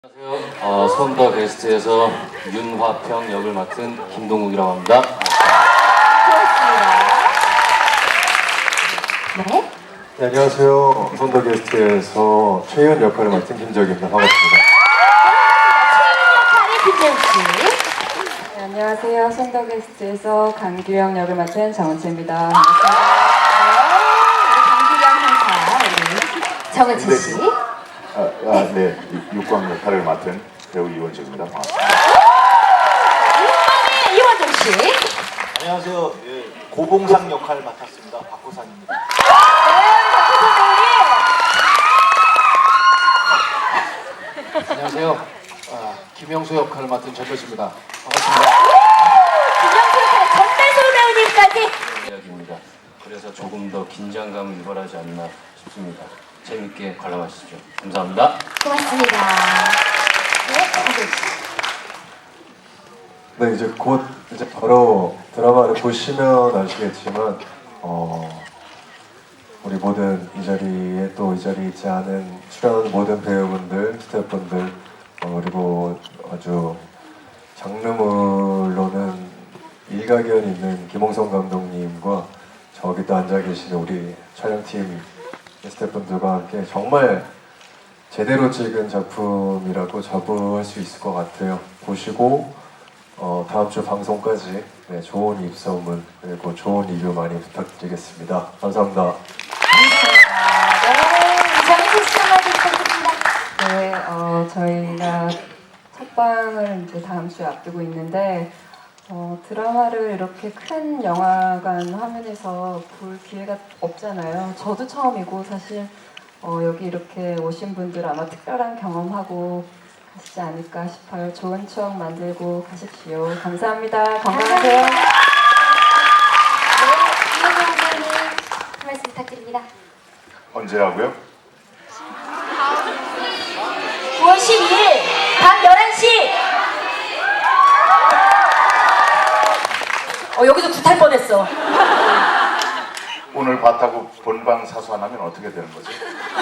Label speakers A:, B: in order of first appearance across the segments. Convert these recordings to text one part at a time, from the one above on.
A: 안녕하세요. 손더 게스트에서 윤화평 역을 맡은 김동욱이라고 합니다.
B: 고맙습니다. 네.
C: 네, 안녕하세요. 손더 게스트에서 최희연 역할을 맡은 김적입니다. 반갑습니다.
B: 최인 역할의 김재욱 씨.
D: 네, 안녕하세요. 손더 게스트에서 강규영 역을 맡은 정은채입니다. 반갑습니다.
B: 강규영 형사, 정은채 씨.
E: 네. 육광 역할을 맡은 배우 이원식입니다. 반갑습니다.
B: 육광의 이원정 씨.
F: 안녕하세요. 예, 고봉상 역할 맡았습니다. 박호상입니다.
A: 안녕하세요. 김영수 역할을 맡은 전배수입니다. 반갑습니다.
B: 김영수 역할의 전배수 배우님까지.
A: 이야기입니다. 그래서 조금 더 긴장감을 유발하지 않나 싶습니다. 재밌게 관람하시죠. 감사합니다.
B: 고맙습니다. 네, 정재욱 씨.
C: 네, 이제 곧 바로 드라마를 보시면 아시겠지만 우리 모든 이 자리에 또 이 자리에 있지 않은 출연하는 모든 배우분들, 스태프분들 그리고 아주 장르물로는 일가견 있는 김홍성 감독님과 저기 또 앉아 계시는 우리 촬영팀 스태프분들과 함께 정말 제대로 찍은 작품이라고 자부할 수 있을 것 같아요. 보시고 다음 주 방송까지 좋은 입소문 그리고 좋은 리뷰 많이 부탁드리겠습니다. 감사합니다.
B: 정은채 씨 한마디 부탁드립니다.
D: 네, 저희가 첫 방을 이제 다음 주에 앞두고 있는데 드라마를 이렇게 큰 영화관 화면에서 볼 기회가 없잖아요. 저도 처음이고 사실 여기 이렇게 오신 분들 아마 특별한 경험하고 가시지 않을까 싶어요. 좋은 추억 만들고 가십시오. 감사합니다. 건강하세요.
B: 네, 이현정 선생님 한 말씀 부탁드립니다.
E: 언제라고요?
B: 9월 12일 밤 11시. 여기서 구탈 뻔했어.
E: 오늘 봤다고 본방 사수하면 어떻게 되는 거지?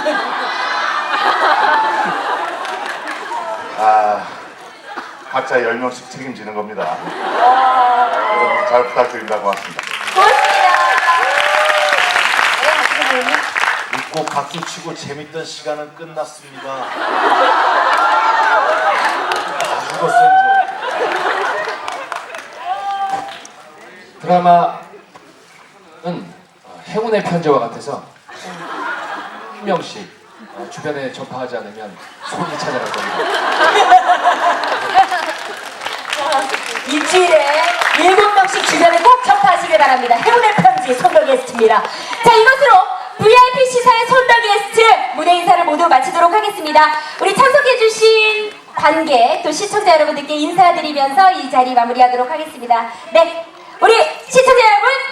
E: 각자 10명씩 책임지는 겁니다. 여러분 잘 부탁드립니다. 고맙습니다.
B: 고맙습니다. 네, 박수 배우님.
F: 웃고 박수 치고 재밌던 시간은 끝났습니다. 죽었어요 이제.
A: 드라마는 행운의 편지와 같아서 한 명씩 주변에 전파하지 않으면 손이 찾아갈 겁니다.
B: 일주일에 7명씩 주변에 꼭 접하시길 바랍니다. 행운의 편지 손더 게스트입니다. 자, 이것으로 VIP 시사의 손더 게스트 무대 인사를 모두 마치도록 하겠습니다. 우리 참석해주신 관객 또 시청자 여러분들께 인사드리면서 이 자리 마무리하도록 하겠습니다. 네, 우리 시청자 여러분